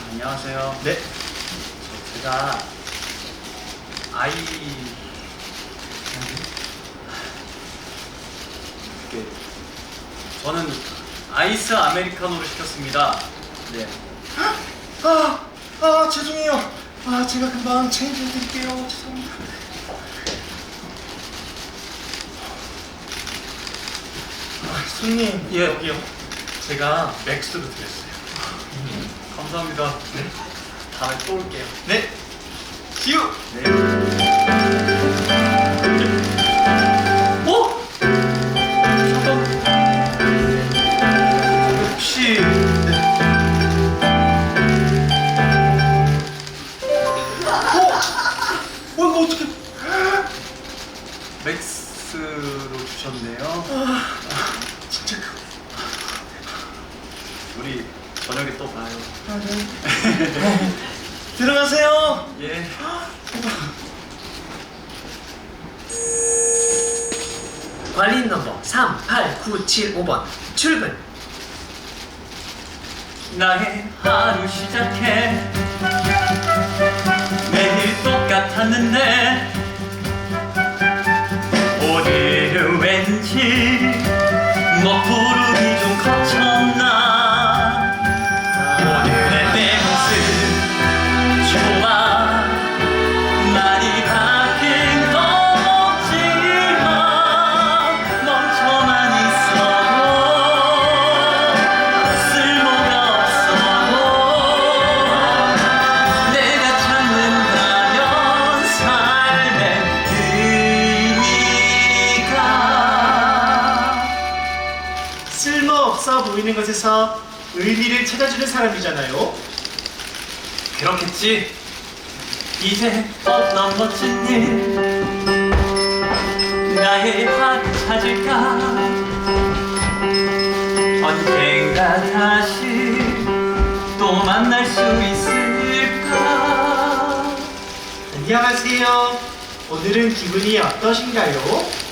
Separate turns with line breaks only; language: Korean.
안녕하세요.
네.
제가 저는 아이스 아메리카노를 시켰습니다. 네.
죄송해요. 제가 금방 체인지 해드릴게요. 죄송합니다. 손님,
예.
여기요. 제가 맥스로 드렸어요.
감사합니다. 네. 다음에 또 올게요.
네. See you.
네. 어? 잠깐. 혹시
이거 어떻게?
맥스로 주셨네요.
진짜
우리 저녁에 또 봐요.
네. 들어가세요.
예.
관리인 넘버 38975번 출근.
나의 하루 시작해 매일 똑같았는데 오늘은 왠지 먹구름이 좀 거쳤나. 오늘의 내 모습 좋아 많이 바뀐 건 없지만 멈춰만 있어도 쓸모가 없어도 내가 찾는다면 삶의 의미가
쓸모없어 보이는 것에서 의미를 찾아주는 사람이잖아요.
그렇겠지. 이제 어떤 멋진 일 나의 하루 찾을까. 언젠가 다시 또 만날 수 있을까.
안녕하세요. 오늘은 기분이 어떠신가요?